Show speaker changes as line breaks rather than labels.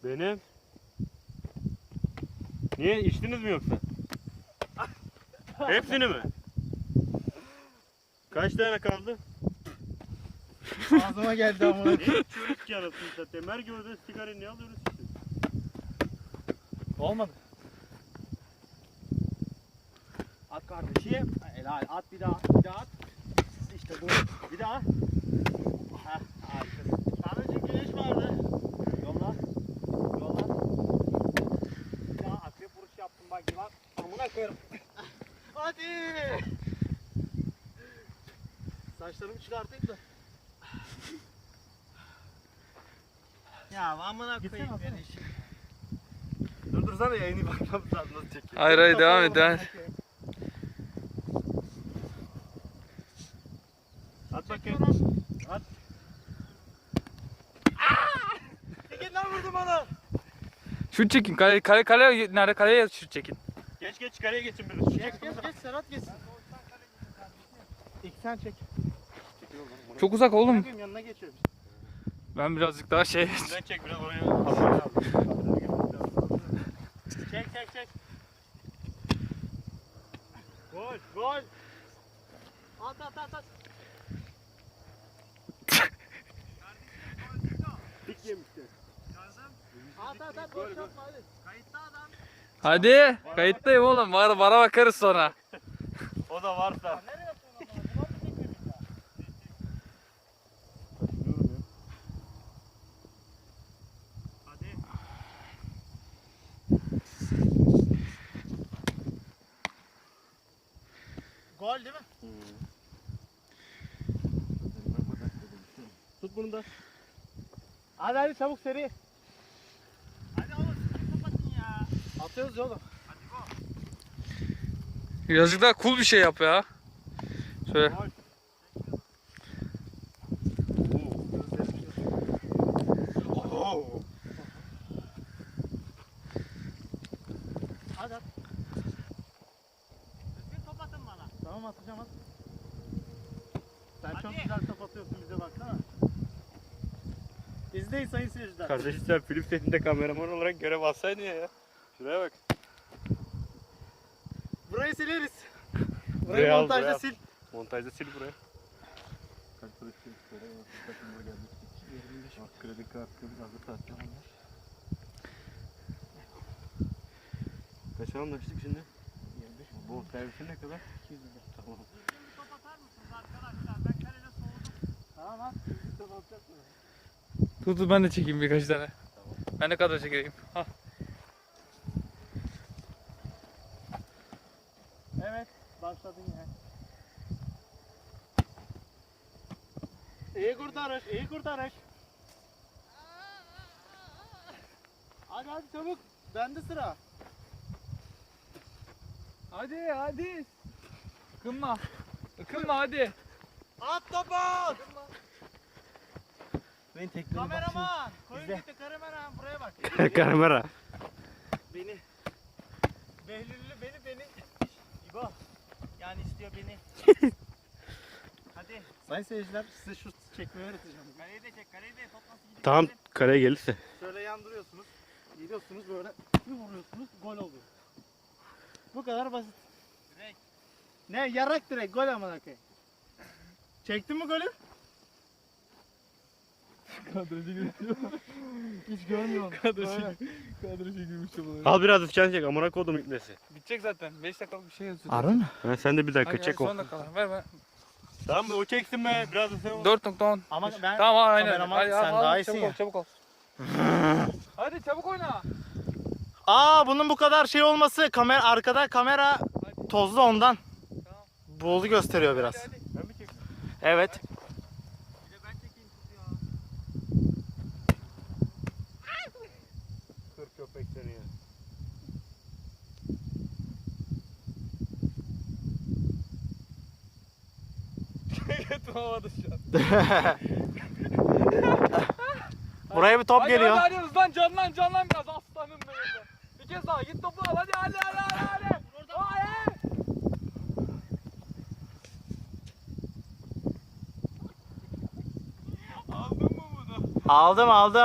Benim. Niye? İçtiniz mi yoksa? Hepsini mi? Kaç tane kaldı?
Ağzıma geldi amına.
Ne içiyoruz ki anasını satayım? Her gördüğünüz sigarayı ne alıyoruz ki?
Olmadı. At kardeşim. Helal. At bir daha. Bir daha at. İşte bu. Bir daha. Heh, harikasın. Tanrıcık güneş vardı. Yolla. Yolla. Bir daha akrep vuruş yaptım bak yılan. Amına koyarım. Hadi. Saçlarımı çıkartayım da. Ya amına koyayım beni işi. Durdursana yayını bakmam lazım nasıl çekiyor.
Hayır hayır devam et devam et.
At bakayım. At.
Çekin lan vurdum onu.
Şut çekin. Kale nerede? Kaleye şut çekin.
Geç kareye geçin biraz.
Geç Serhat geçsin. İlk sen çek.
Çok uzak oğlum.
Bakayım yanına geçiyorum.
Ben birazcık daha şey.
Sen çek biraz oraya.
Çek. Gol. At.
Dik yemişti.
At boş yapma hadi. Kayıtta adam.
Hadi. Kayıttayım oğlum. Vara bakarız sonra.
O da varsa.
Nereye yapıyorsun ama? Buna mı çekiyorsun ya? Hadi. Gol değil mi?
Tut bunu da.
Hadi çabuk seri. Hadi oğlum siz kapatın ya. Atıyoruz ya oğlum.
Birazcık daha cool bir şey yap ya. Şöyle.
Hadi at. Düzgün top atın bana. Tamam atacağım at. Sen çok güzel top atıyorsun bize baksana. İzleyin sayın seyirciler.
Kardeşim sen film setinde kameraman olarak görev alsaydın ya. Şuraya bak.
Burayı sileriz. Burayı
Buraya al,
montajda
buraya al.
sil.
Montajda sil buraya. Kredi kartı biraz da kaç anlaştık şimdi? 25. Bu servisi ne kadar? 200 lira. Tamam.
Top atar mısınız arkadaşlar? Ben kalede soğudum. Tamam at. Top atacak mı?
Dur ben de çekeyim birkaç tane. Ben ne kadar çekeyim. Hah.
Evet. Başladın ya. İyi kurtarış. Hadi çabuk. Bende sıra.
Hadi. Ikınma hadi.
At topu. Kameraman. Koyun gitti kameraman buraya bak.
Kamera.
Beni. Behlüllü beni. İbo. Yani istiyor beni. Hadi. Sayın seyirciler size şu çekmeyi öğreteceğim. Kaleyi de çek. Top nasıl gidiyor?
Tamam kareye gelirse.
Şöyle yandırıyorsunuz. Gidiyorsunuz böyle bir vuruyorsunuz. Gol oluyor. Bu kadar basit. Direkt. Ne? Yarak direkt. Gol amına koyayım. Çektin mi golü?
Kadrajı girmiş.
Hiç görmüyorum.
Kadrajı girmiş bu.
Al biraz ıskan çek amına kodum itmesi.
Bitecek zaten. 5 dakikalık bir şey yazıyor.
Arı mı?
Ha, sen de bir dakika
Hadi,
çek o.
son dakikalar. Ver.
Tamam o çeksin be biraz da sen.
4.10.
Ama ben
Tamam aynen.
kameraman,
Hadi,
sen daha iyisin
çabuk ol. Hadi çabuk oyna.
bunun bu kadar şey olması arkada kamera tozlu ondan.
Tamam.
Buğulu gösteriyor biraz.
Hadi.
Ben mi çekeyim?
Evet.
Bir de ben çekeyim ya.
Kır köpek seni ya.
Götüm havada şu an.
Buraya bir top
Hadi,
geliyor.
Hadi hızlan canlan biraz aslanım benim. Bir kez daha git topu al hadi. Hadi. Aldın mı bunu?
Aldım.